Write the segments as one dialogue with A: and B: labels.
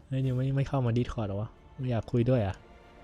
A: ฮ้ยนิวไม่เข้ามาดิสคอร์ดหรอวะไม่อยากคุยด้วยอ่ะ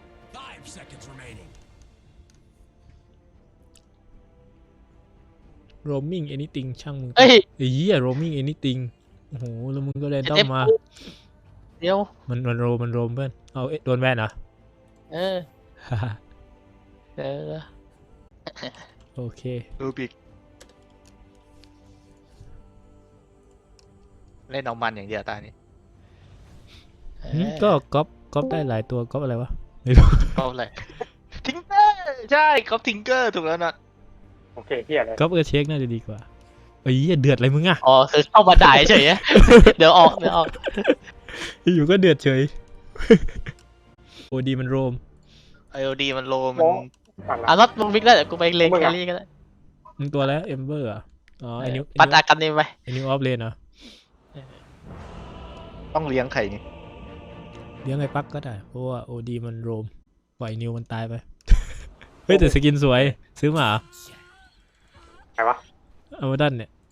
A: โรมมิ่งแอนิติงช่างมึงไอ้เหี้ยโรมมิ่งแอนิติงโอ้โหแล้วมึงก็เรนดอมมา
B: เดี๋ยว
A: มันโรมเพื่อนเอาโดนแบนเหรอโอเค
B: รูบิกเล่นเอามันอย่างเดียวตานี้
A: ก็ก๊อปได้หลายตัวก๊อปอะไรวะไม่รู้
B: ก๊อปอะไรทิงเกอร์ใช่ก๊อปทิงเกอร์ถูกแล้วนะ
C: โอเคเฮียเลย
A: ก๊อปเช็คน่าจะดีกว่าเอ้ยเดือดอะไรมึงอ่ะ
B: อ๋อคือเข้ามาด่าเฉยเดี๋ยวออก
A: อยู่ก็เดือดเฉยโอดีมันโรม
B: ไอโอดีมันโลมันน็อตมึงวิกได้เดี๋ยวกูไปเลนแครี่ก็ได้
A: มึงตัวแล้วเอมเบอร์อ่ะอ๋อไอนิว
B: ปัดอากันนี่ไหม
A: ไอนิวออฟเลนเหรอ
B: ต้องเลี้ยงไข่นี่
A: เลี้ยงไอ้ปักก็ได้เพราะว่าโอดีมันโรมปล่อยนิวมันตายไปเฮ้ยแต่สกินสวยซื้อมา
C: ใครวะ
A: เอามาดันเนี่ย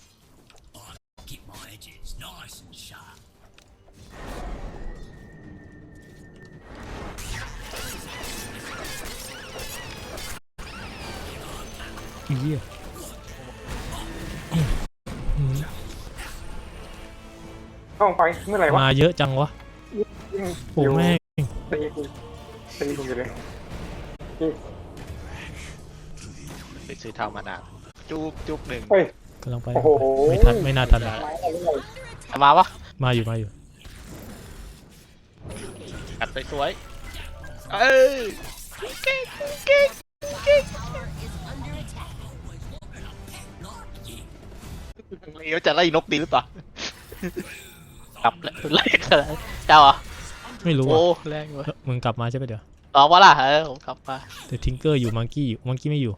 A: เหี้ย
C: เข้าไปเมื่อไหร่วะ
A: มาเยอะจังวะโอ้แม่ง
C: ตีกูอยู่เลย
B: ไปซื้อเท่ามานานจุกหนึ่ง
A: กำลังไปไม่น่าทัน
B: มาวะ
A: มาอยู่
B: กัดสวยเอ้ยเก่งเลี้ยวจะไล่นกดีหรือเปล่ากลับไล่เจ้าอ่ะ
A: ไม่รู้
B: โอ้แรงวะ
A: มึงกลับมาใช่ไหมเดี๋ยว
B: วะล่ะผมกลับมา
A: แต่ทิงเกอร์อยู่มังกี้ไม่อยู่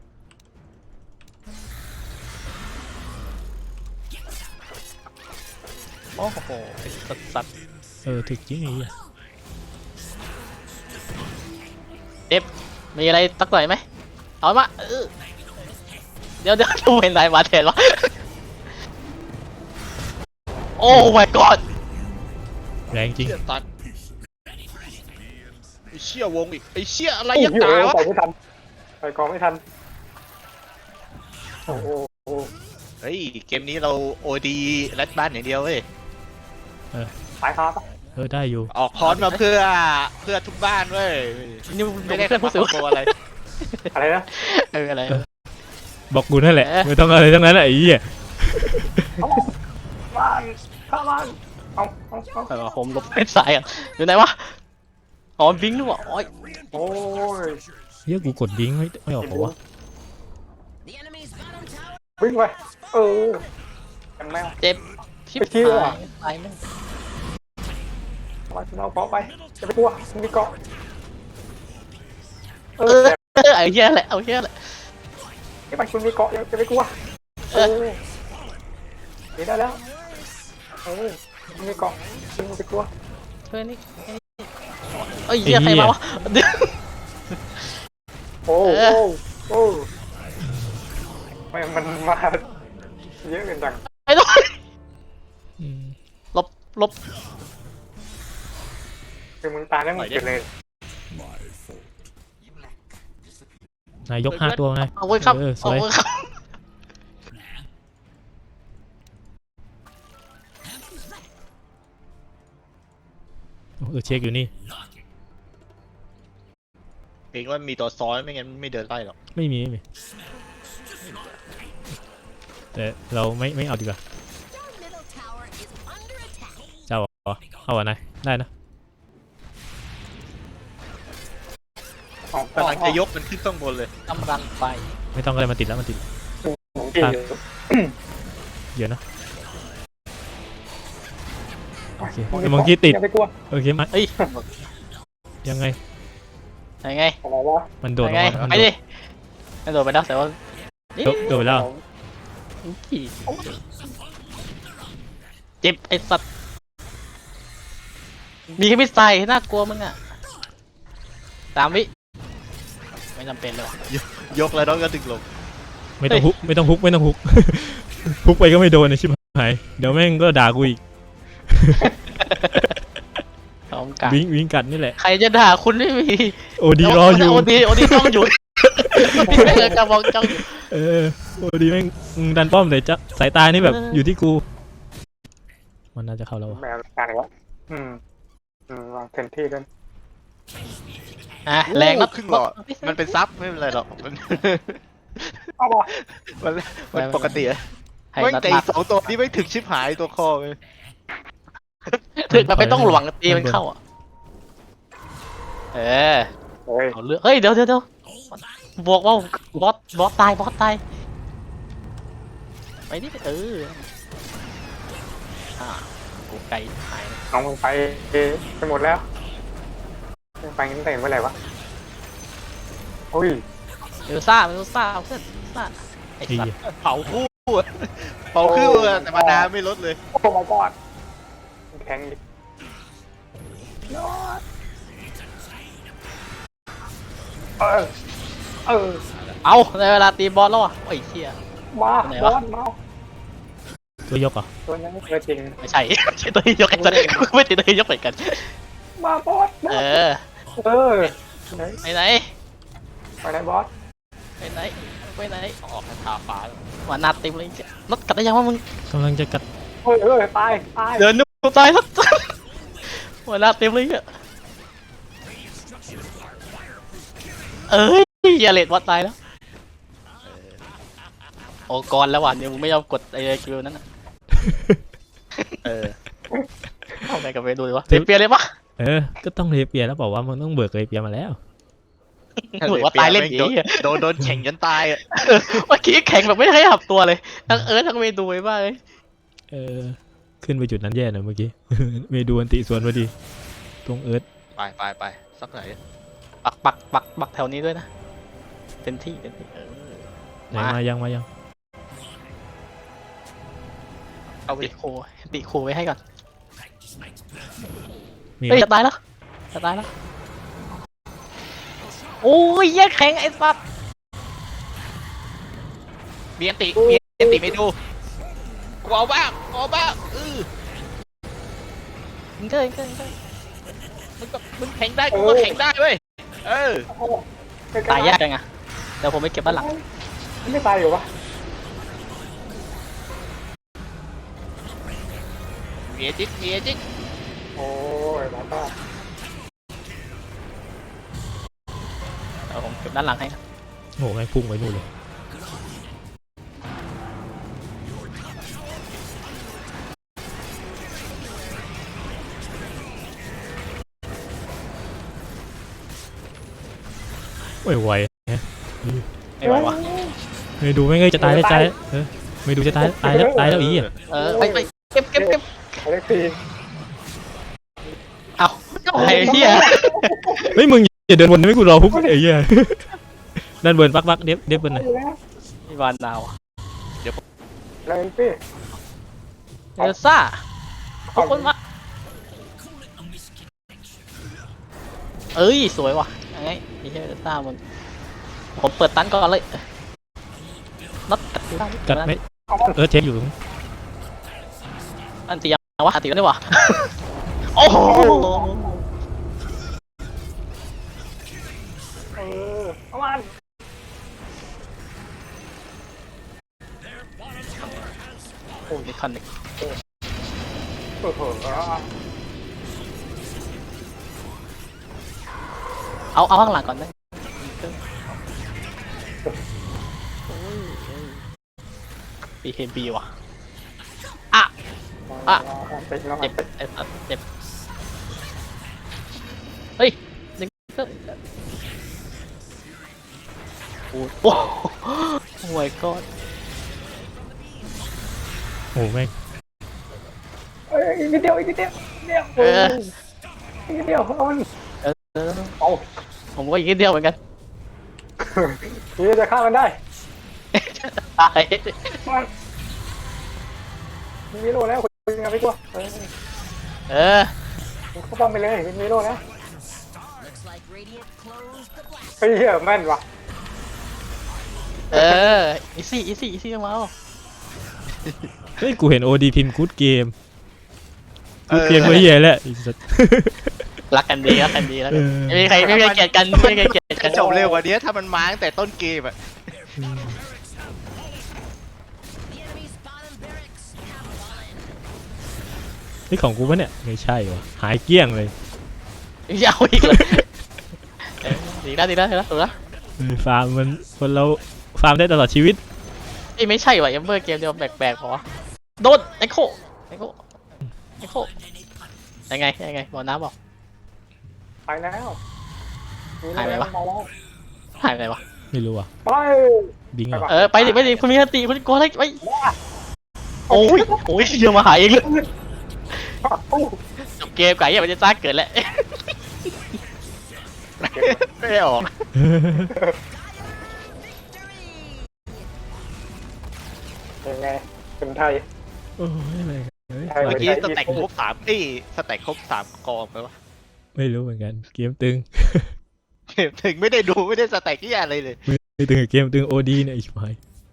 B: โอ้โหสัตว์
A: ถึกจริงไอ้เหี้ย
B: เอฟมีอะไรตักหน่อยไหมเอามาเดี๋ยวดูเป็นไรมาเทนวะโอ้ my god
A: แรงจริง
B: ตัดไอเชี่ยวงอีกไอเชี่ยอะไรยักษ์ตาวะ
C: ไปไม่ทันไปกองไม่ทันโอ้โห
B: เฮ้ยเกมนี้เราโอดีรัดบ้านอย่างเดียวเว้ย
C: สายคาปะ
A: ได้อยู่
B: ออกคอนมาเพื่อทุกบ้านเว้ย
A: นี่
B: ไม่ได้ผู้สูงอะไร
C: นะ
B: อะไร
A: บอกกูนั่นแหละไม่ต้องอะไรทั้งนั้นไอ้เหี้ย
C: บ้านข้าบ้าน
B: เอาผมลบเป็นสายอ่ะอยู่ไหนวะอ๋อบิงด้วยวะโอ้
C: ย
A: เฮียกูกดบิงไม่ออกเหรอวะ
C: วิ่งไปกันแมว
B: เจ็บชิบหายแม่
C: เราเกาะไปจะไปกลัวมีเกาะ
B: ไอ้เหี้ยแหละเอาเหี้ยแหละ
C: ไอ้ไปคุณมีเกาะจะไปกลัวได้แล้วมีเกาะคุณไปกลัว
B: เฮ้ยนี่เอ้ยเหี้ยใครมาวะ
C: โอ้มันมาเยอะเกินจัง
B: ไอ้ลบ
C: คือมึงตายแล้วมึงเกิดเลย
A: นายยก5 ตัวไง
B: เอาไว้ครับ
A: สวยเช็คอยู่นี่
B: เองว่ามีตัวซ้อนไม่งั้นไม่เดินไล่หรอก
A: ไม่มีแต่เราไม่เอาดีกว่าเจ้าเอาอะนายได้นะ
B: กำลังจะยกมันขึ้นข้างบนเลยกำลังไป
A: ไม่ต้องอะไรมาติดแล้วมันติดเดี๋ยวนะโอเคมังกี้ติดโอเคไหมยังไงมันโดด
B: ไปดิมันโดดไปแล้วแต่ว่า
A: โดดไปแล้ว
B: เจ็บไอ้สัตว์มีแค่พิษใส่น่ากลัวมึงอ่ะ3 วิไม่จำเป็นเลยกแล้วน้องก็ดึงลง
A: ไม่ต้องฮุกฮุกไปก็ไม่โดนนะชิบหายเดี๋ยวแม่งก็ด่ากูอีก
B: อมกัด
A: วิ่งกัดนี่แหละ
B: ใครจะด่าคุณไม่มี
A: โอดีรออยู่
B: โอดีจ้องอยู่พี่ไม่เคยกระบอกจ้องอยู่
A: โอดีแม่งดันป้อมแต่จะสายตานี่แบบ
B: เออ
A: อยู่ที่กูมันน่าจะเข้าแล้ววะ
C: แมวการอีกแล้ววางเต็มที่ด้วย
B: อ่ะแรงนัด
D: ครึ่งหลอดมันเป็นซับไม่เป็นไรหรอกมัน
C: เอาบอ
D: มันปกติอะ
B: ให้
D: ไม่
B: นัด
D: แต่
B: มา
D: อีกสองตัวนี่ไม่ถึกชิบหายตัวคอเลย
B: ถึงมันไม่ต้องหลวงตีมันเข้าอ่ะเออ
C: เฮ้ย
B: เอาเรื่องเฮ้ยเดี๋ยวบอกว่าบอสตายไปนี่กูไกลหาย
C: น้องมึงไปหมดแล้วไปงั้นแต่เมื่อไหร่วะโอ้ย
B: เอลซ่าเอาเพื่อนซ่าไอ้สัตว์
D: เผาคู่อะเผาคู่อะแต่มานาไม่ลดเลย
C: โอ้ my god แข็งดิยอด
B: เอาในเวลาตีบอสแล้วอ่ะโอ้ยเชี่ย
C: มา
B: ไหน
C: บ
B: วะ
C: อสมา
A: ตัวยกเหรอ่ะ
C: ตัวนั้นตัวจริง
B: ไม่ใช่ ตัวนี้ยกไอ้สัตว์ไม่ติดตัวนี้ยกเหมือนกัน
C: มาบอส
B: เออ
C: ไหน
B: ไปไหน
C: ไปไหนบอส
B: ไปไหนออกทาฟ้าว่านาติมเลยรถกัดได้ยังว่ามึง
A: กำลังจะกัด
C: ตาย
B: เดินนูตายแล้วว่านาติมเลยอ่ะเอ้ยอย่าเลดวัดตายแล้วโอ้กรแล้วว่ะเดี๋ยวมึงไม่ยอมกดไอ้คิวนั้นอ่ะเข้าไปกับไปดูดิวะเปลี่ยนเลยปะ
A: ก็ต้องเรเปียแล้วบอกว่ามึงต้องเบิกเรเปียมาแล้ว
B: เหมือนว่าตายเล่นผีอะ
D: โดนแข่งจนตายอะ
B: เมื่อกี้แข่งแบบไม่ให้หับตัวเลยทั้งทั้งเมดูไว้บ้างเลย
A: ขึ้นไปจุดนั้นแย่หน่อยเมื่อกี้ เมดูอันติสวนพอดีตรง
D: ไปสักไหน
B: ปักแถวนี้ด้วยนะเต็มที่
A: ไหนมายัง
B: เอาไปติโคไว้ให้ก่อน
A: มี
B: เฮ้ยจะตายแล้วโอ้ยแย่แข็งไอ้สัตว์
D: มีอันติไม่ดูกูเอาบ้าง
B: มึงเกิน
D: มึงแข่งได้กูก็แข่งได้เว้ย
B: ตายยากจังอะเดี๋ยวผมไปเก็บด้านหลัง
C: ไม่ตายอยู่วะ
D: มีจิก
C: โอ้ยมาตา
B: เดี๋ยวผมเก็บด้านหลังให้นะ
A: โหแม่งพุ่งไปนู่นเลยไว
B: ไม่ไหววะ
A: เมดูไม่งจะตายแล้วเมดูจะตายแล้วอีอ่ะ
B: ไปเก็บ
C: เล็กตี
B: เอาไอ้เหี้ย
A: เฮ้ยมึงอย่าเดินวนนะไม่กูรอพุกไอ้เหี้ยด้านบนปักเด็บบนหน่อย
B: มีวานดาว
C: อะไรพี่
B: เอลซ่าขอบคุณมากเอ้ยสวยว่ะยังไงไอ้เหี้ยเอลซ่ามึงผมเปิดตันก่อนเลยนัด
A: กัดไหมเช็คอยู่
B: อันตียังวะอันตีกันได้วะโอ้โห
C: เอามัน
B: โอ้ยคันหนึ่ง
C: โอ้โห
B: เอาข้างหลังก่อนได้BKB ว่ะเจ็บไอ้สัตว์เจ็บเฮ้ยดึงโอ้โหโอ้ my god
A: โอ้แม่ง
C: อีกนิดเดียวอีกนิดเดียวเอามันเอา
B: ผมก็อีกนิดเดียวเหมือนกัน
C: นี่จะฆ่ามันได้
B: ตาย
C: มันมีโล่แล้วคุณยังไม่กลัวเขาป้อมไปเลยมีโล่แล้วเฮ้ยแม่นว่ะ
B: อีซี่มาเอา
A: เฮ้ยกูเห็นโอดีพิมพ์กู๊ดเกมก็เหี้ยแหละ
B: รักกันดีแล้วไม่มีใครเกลียดกันไม่มีใครเกลียดกั
D: จะ
B: น
D: จบเร็วกว่านี้ถ้ามันมาตั้งแต่ต้นเกมอะ
A: นี่ของกูปะเนี่ยไม่ใช่วะหายเกลี้ยงเลย
B: ยาวอีกเลยดีแล้วถูกแล้ว
A: ฟาร์มมันคนเราฟาร์มได้ตลอดชีวิต
B: ไม่ใช่ว่ะเอมเบอร์เกมเดียวแปลกๆพอโดนไอโคยังไงบอกน้ำบอก
C: ไปแล้ว
B: หายไปวะ หายไปวะ
A: ไม่รู้อ่ะ
C: ไป
A: บิงเหรอ
B: ไปดิคุณมีสติคุณกลัวอะไรไปโอ้ยเดี๋ยวมาหายเองเลยจบเกมไก่ยังไม่ได้จ้าเกิดแล้ว
D: ไม่ได้ออก
C: ยังไงคนไทย
A: โอ้ยอะไรกันเฮ้ย
C: ใช่
D: เมื่อกี้สแต็กครบ3สแต็กครบ3กองไปวะ
A: ไม่รู้เหมือนกันเกมตึง
D: เกมถึงไม่ได้ดูไม่ได้สแต็กที่อะไรเลย
A: ไม่ตึงกับเกมตึงโอดีเนี่ยอีกไป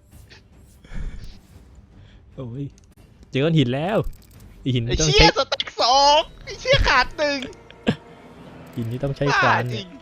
A: โอ้ยเจอก้อนหินแล้วอีหิน
D: ไอ้
A: นี่ต้อง
D: เชี่
A: ใช้
D: ยสแต็ก2ไอ้เชี่ยขาด1
A: หินนี่ต้องใช้
D: บ้า
A: ควาน
D: จริง